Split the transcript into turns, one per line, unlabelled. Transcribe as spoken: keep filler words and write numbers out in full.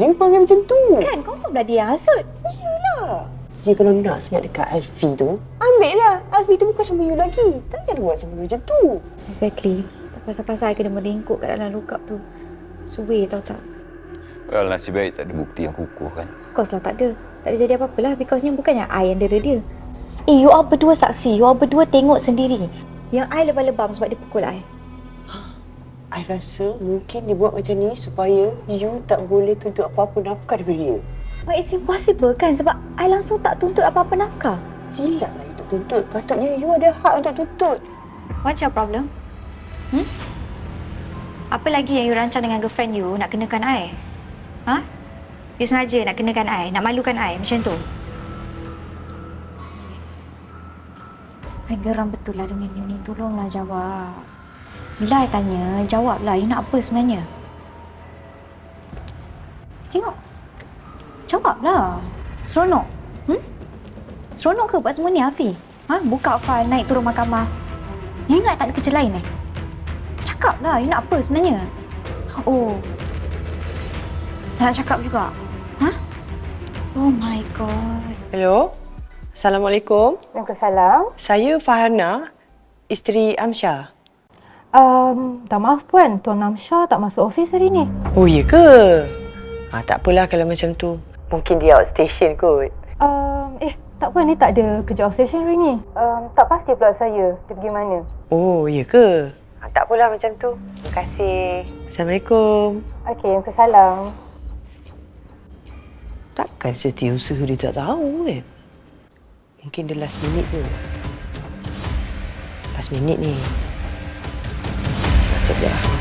dia panggil macam tu.
Kan, confirm lah dia yang hasut.
Iyalah. Dia kalau nak sangat dekat Alfie tu, ambil lah. Alfie tu bukan sama you lagi. Takkan buat sama you macam tu.
Exactly. Tak pasal-pasal I kena merengkuk kat dalam lookup tu. Suwe tau tak?
Well, nasib baik tak ada bukti yang kukuh kan?
Of course lah tak ada. Tak ada jadi apa-apa lah. Because ni bukannya I yang dera dia. Eh, you all berdua saksi. You all berdua tengok sendiri. Yang I lebam-lebam sebab dia pukul I.
I rasa mungkin dia buat macam ni supaya you tak boleh tuntut apa-apa nafkah daripada dia.
But it's impossible kan? Sebab I langsung tak tuntut apa-apa nafkah.
Silap lah you tak tuntut. Patutnya you ada hak untuk tuntut.
What's your problem? Hmm? Apa lagi yang you rancang dengan girlfriend you nak kenakan I? Ha? You sengaja nak kenakan I? Nak malukan I macam tu? I geram betul lah dengan you ni. Tolonglah jawab. Bila I tanya, jawablah. You nak apa sebenarnya? Tengok. Jawablah. Seronok. Hmm? Seronok ke buat semua ni, Afi? Ha? Buka file, naik turun mahkamah. You ingat tak ada kerja lain eh? Cakaplah. You nak apa sebenarnya? Oh. Tak nak cakap juga? Ha? Oh my God.
Hello? Assalamualaikum.
Waalaikumsalam.
Saya Farhana, isteri Amsyah.
Um, tak maaf Puan, Tuan Amsyah tak masuk office hari ni.
Oh, ya ke? Ha, tak apalah kalau macam tu. Mungkin dia outstation kot.
Um, eh, tak Puan, dia tak ada kerja outstation hari ni. Um, tak pasti pula saya dia pergi mana.
Oh, ya ke? Ha, tak apalah macam tu. Terima kasih. Assalamualaikum.
Okey, Waalaikumsalam.
Takkan setiausaha dia tak tahu kan? Mungkin dia last minute ke? Last minute ni. Nasib dia.